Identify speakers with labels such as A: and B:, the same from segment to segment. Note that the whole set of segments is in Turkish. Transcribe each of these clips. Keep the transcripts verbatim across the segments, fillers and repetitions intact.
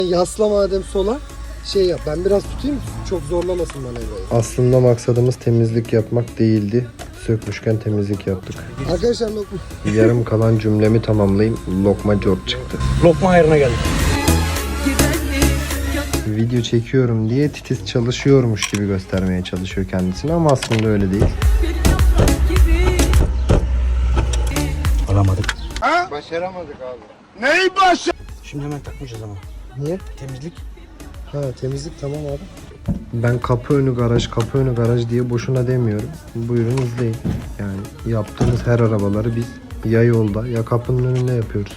A: Yasla madem sola. Şey yap, ben biraz tutayım, çok zorlamasın manevrayı.
B: Aslında maksadımız temizlik yapmak değildi. Sökmüşken temizlik yaptık.
A: Arkadaşlar lokma.
B: Yarım kalan cümlemi tamamlayayım. Lokma cort çıktı.
C: Lokma ayarına geldik.
B: Video çekiyorum diye titiz çalışıyormuş gibi göstermeye çalışıyor kendisini ama aslında öyle değil.
C: Alamadık.
B: Başaramadık abi.
D: Neyi başa?
C: Şimdi hemen takmayacağız ama.
A: Niye?
C: Temizlik.
A: Ha, temizlik tamam abi.
B: Ben kapı önü garaj, kapı önü garaj diye boşuna demiyorum. Buyurun izleyin. Yani yaptığımız her arabaları biz ya yolda ya kapının önünde yapıyoruz.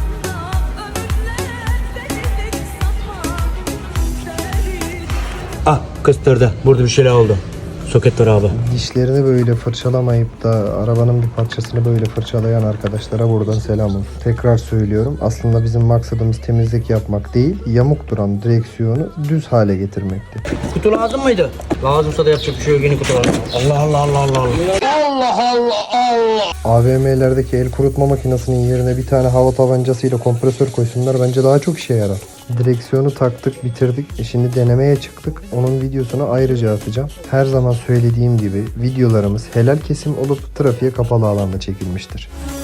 C: Ah kıstırdı. Burada bir şeyler oldu. Soket var abi.
B: Dişlerini böyle fırçalamayıp da arabanın bir parçasını böyle fırçalayan arkadaşlara buradan selam olsun. Tekrar söylüyorum. Aslında bizim maksadımız temizlik yapmak değil, yamuk duran direksiyonu düz hale getirmekti.
C: Kutu lazım mıydı? Lazımsa da yapacak bir şey yok. Yeni kutu var. Allah Allah Allah Allah Allah.
B: A V M'lerdeki el kurutma makinesinin yerine bir tane hava tabancasıyla kompresör koysunlar, bence daha çok işe yarar. Direksiyonu taktık, bitirdik. E şimdi denemeye çıktık. Onun videosunu ayrıca atacağım. Her zaman söylediğim gibi videolarımız helal kesim olup trafiğe kapalı alanda çekilmiştir.